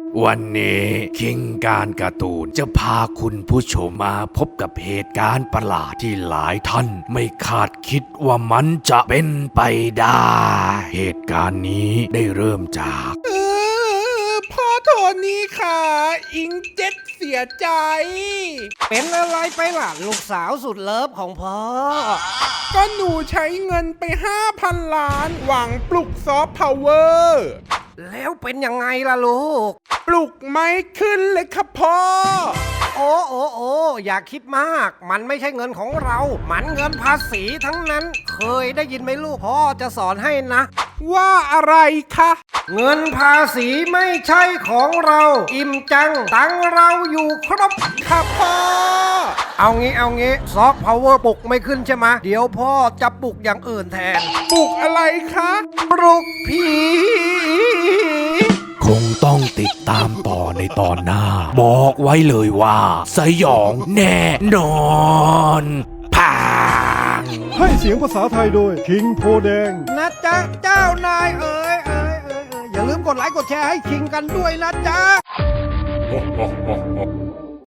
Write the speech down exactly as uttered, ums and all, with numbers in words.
วันนี้คิงการการ์ตูนจะพาคุณผู้ชมมาพบกับเหตุการณ์ประหลาดที่หลายท่านไม่คาดคิดว่ามันจะเป็นไปได้ เหตุการณ์นี้ได้เริ่มจากเออพ่อโทนี่ค่ะอิงเจ็ดเสียใจเป็นอะไรไปล่ะลูกสาวสุดเลิฟของพ่อก็หนูใช้เงินไป ห้าพัน ล้าน หวังปลุกซอฟต์พาวเวอร์แล้วเป็นยังไงล่ะลูกปลุกไม่ขึ้นเลยครับพ่อโอ้โอ้โอ้อย่าคิดมาก มันไม่ใช่เงินของเรา มันเงินภาษีทั้งนั้น เคยได้ยินไหมลูกพ่อจะสอนให้นะว่าอะไรคะเงินภาษีไม่ใช่ของเรา อิ่มจัง ตังเราอยู่ครบครับพ่อเอางี้เอางี้ซอฟต์พาวเวอร์ปลุกไม่ขึ้นใช่ไหมเดี๋ยวพ่อจะปลุกอย่างอื่นแทนปลุกอะไรคะปลุกผีคงต้องติดตามต่อในตอนหน้า บอกไว้เลยว่าสยองแน่นอนพังให้เสียงภาษาไทยโดยคิงโพแดงนะจ๊ะเจ้านายเอ๋ยเอ๋ยเอ๋ยเอ๋ยอย่าลืมกดไลค์กดแชร์ให้คิงกันด้วยนะจ๊ะ